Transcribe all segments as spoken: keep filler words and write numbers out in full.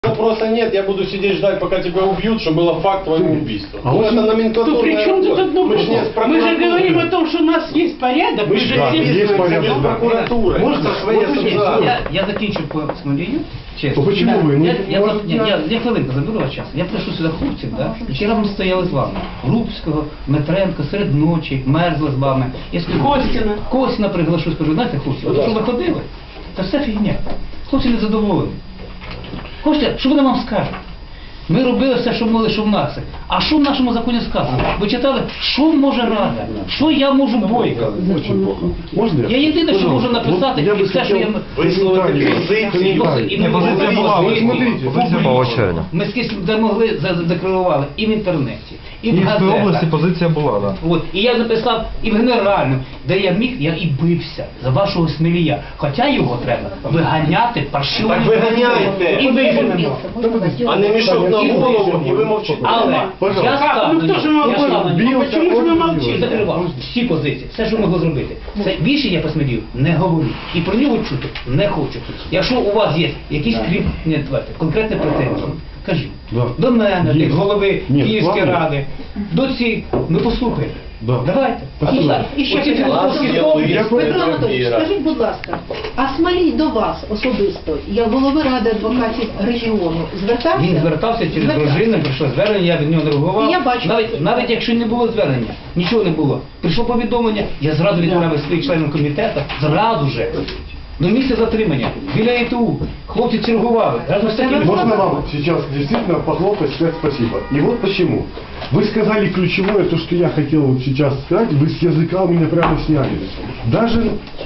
Запроса нет, я буду сидеть ждать, пока тебя убьют, что было факт твоего убийства. А ну, вот это тут номенклатурная при чем тут работа. одно Мы, ж не с Мы же прокуратурой. говорим о том, что у нас есть порядок, мы Мы же же да, все есть порядок, не с да. прокуратурой. Можно Это своя вот очень ситуация. Я, я закінчу по Смолію, чесно. Ну, почему вы? Ну, Я, я, может, я, я, я- я хвилинку заберу ваш час. Я прийшов сюди хлопців, да? які разом стояли з вами. Грубського, Метренко, серед ночі, мерзли з вами. Я скажу, Костіна. Костіна приглашу, скажу, знаєте, хлопці, от що ви ходили, це все фігня. Хлопці не задоволені. Хочете, що вони вам скажуть? Ми робили все, що могли, що в нас. А що в нашому законі сказано? Ви читали, що може Рада? Що я можу Бойко? Очень плохо. Можно Я єдине, що можу Пожалуйста. написати, Вот я і бы все, що я... хотел Висловити комментарий. позицію. Комментарий. І ми Вот позиція була, вот ви- смотрите, Позиція була очевидна. Ми скільки де могли задекларували і в інтернеті, і в Київської газетах. області позиція була, так. От, і я написав і в генеральному, де я міг, я і бився за вашого Смілія. Хоча його треба виганяти паршивим. Так виганяйте. І виженемо. А не мішок на голову, і ви мовчите. Але Пожалуйста. я став Ну на хто ж нього. Я мовчить? став на Бил, нього. Чому ж ви он мовчите? І закривав всі позиції, все, що могло зробити. Це більше я по Смілію не говорю. І про нього чути не хочу. Якщо у вас є якісь крім, не, давайте, конкретні претензії, кажіть. Да. До мене, Є. до голови Ні, Київської ладно. ради, до ці, ми послухаємо. Да. Давайте. Спасибо. І так, І ще оці питання. філософські Я слова. Я Петро Петро Анатолійович, Іра. скажіть, будь ласка, а Смолій до вас особисто, як голови Ради адвокатів регіону, звертався? Він звертався через Звертався. дружину, прийшло звернення, я від нього не реагував. Я бачу. Навіть, навіть якщо не було звернення, нічого не було. Прийшло повідомлення, я зразу відправив своїх членів комітету, зразу же. До місця затримання, біля ІТУ. Хлопці чергували. Разом з такими... Можно вам сейчас действительно похлопать, сказать спасибо. И вот почему. Вы сказали ключевое, то, что я хотел вот сейчас сказать, вы с языка у меня прямо сняли. Даже,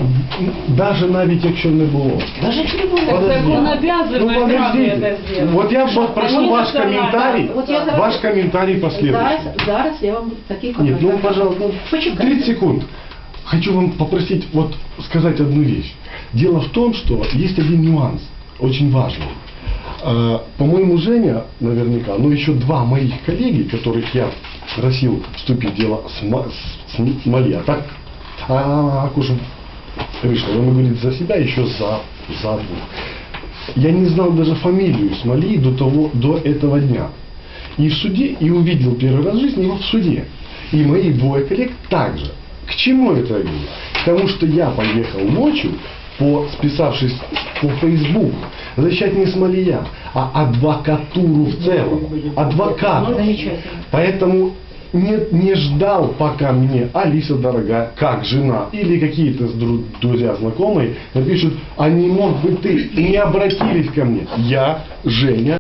даже навіть якщо не було. Даже якщо не було. Подождите. закон обязывает Ну, Раду подождите. это сделать. Вот я вот прошу Они ваш национально. комментарий, Вот я зараз- ваш комментарий Зараз, последующий. зараз я вам такий Нет, коментар. ну, пожалуйста, ну, Почекайте. тридцать секунд. Хочу вам попросить вот сказать одну вещь. Дело в том, что есть один нюанс, очень важный. Э, По-моему, Женя, наверняка, но еще два моих коллеги, которых я просил вступить в дело с, Ма- с Смолия, так, а, уж вышло, вы говорите за себя, еще за, за двух. Я не знал даже фамилию Смолии до, того, до этого дня. И в суде, и увидел первый раз в жизни его в суде. И мои двое коллег также. К чему это я говорю? Потому что я поехал ночью, по, списавшись по Фейсбуку, защищать не Смолия, а адвокатуру в целом. Адвокатов. Замечательно. Поэтому не, не ждал, пока мне Алиса дорогая, как жена, или какие-то дру- друзья, знакомые напишут, а не мог бы ты, и не обратились ко мне. Я, Женя.